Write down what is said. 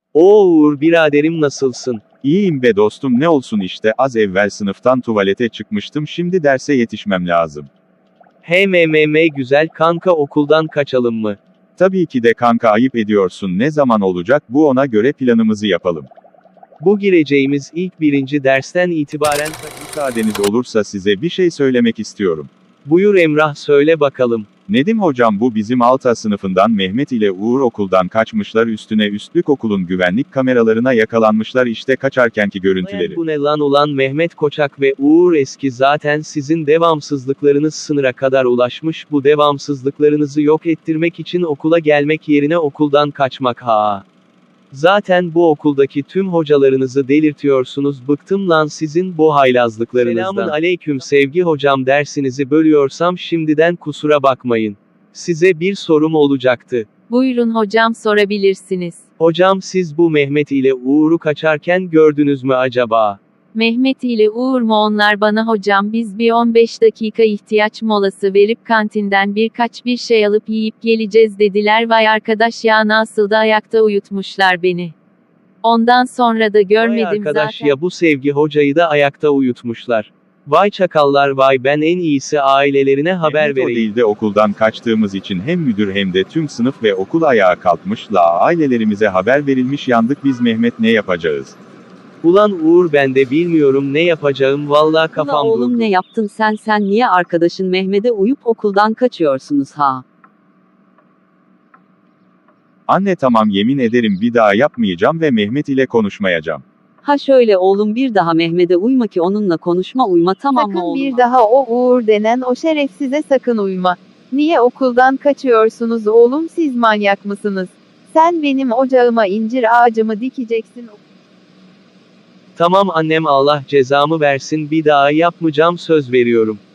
Oo Uğur biraderim nasılsın? İyiyim be dostum, ne olsun işte, az evvel sınıftan tuvalete çıkmıştım, şimdi derse yetişmem lazım. Güzel kanka, okuldan kaçalım mı? Tabii ki de kanka, ayıp ediyorsun, ne zaman olacak bu, ona göre planımızı yapalım. Bu gireceğimiz ilk birinci dersten itibaren Müsaadeniz olursa size bir şey söylemek istiyorum. Buyur Emrah, söyle bakalım. Nedim hocam, bu bizim Alta sınıfından Mehmet ile Uğur okuldan kaçmışlar, üstüne üstlük okulun güvenlik kameralarına yakalanmışlar, işte kaçarkenki görüntüleri. Bu ne lan ulan, Mehmet Koçak ve Uğur Eski, zaten sizin devamsızlıklarınız sınıra kadar ulaşmış, bu devamsızlıklarınızı yok ettirmek için okula gelmek yerine okuldan kaçmak ha. Zaten bu okuldaki tüm hocalarınızı delirtiyorsunuz, bıktım lan sizin bu haylazlıklarınızdan. Selamun aleyküm Sevgi hocam, dersinizi bölüyorsam şimdiden kusura bakmayın. Size bir sorum olacaktı. Buyurun hocam, sorabilirsiniz. Hocam, siz bu Mehmet ile Uğur'u kaçarken gördünüz mü acaba? Mehmet ile Uğur mu onlar? Bana hocam, biz bir 15 dakika ihtiyaç molası verip kantinden bir şey alıp yiyip geleceğiz dediler. Vay arkadaş ya, nasıl da ayakta uyutmuşlar beni. Ondan sonra da görmedim Vay arkadaş zaten. ya, bu Sevgi hocayı da ayakta uyutmuşlar. Vay çakallar vay, ben en iyisi ailelerine haber Mehmet o vereyim. değil de okuldan kaçtığımız için hem müdür hem de tüm sınıf ve okul ayağa kalkmış, la ailelerimize haber verilmiş, yandık biz, Mehmet ne yapacağız? Ulan Uğur, ben de bilmiyorum ne yapacağım, vallahi Ula kafam oğlum, durdu. ne yaptın sen niye arkadaşın Mehmet'e uyup okuldan kaçıyorsunuz ha? Anne tamam, yemin ederim bir daha yapmayacağım ve Mehmet ile konuşmayacağım. Ha şöyle oğlum, bir daha Mehmet'e uyma ki onunla konuşma, uyma, tamam mı Sakın oğlum? bir daha o Uğur denen o şerefsize sakın uyma. Niye okuldan kaçıyorsunuz oğlum, siz manyak mısınız? Sen benim ocağıma incir ağacımı dikeceksin. Tamam annem, Allah cezamı versin, bir daha yapmayacağım, söz veriyorum.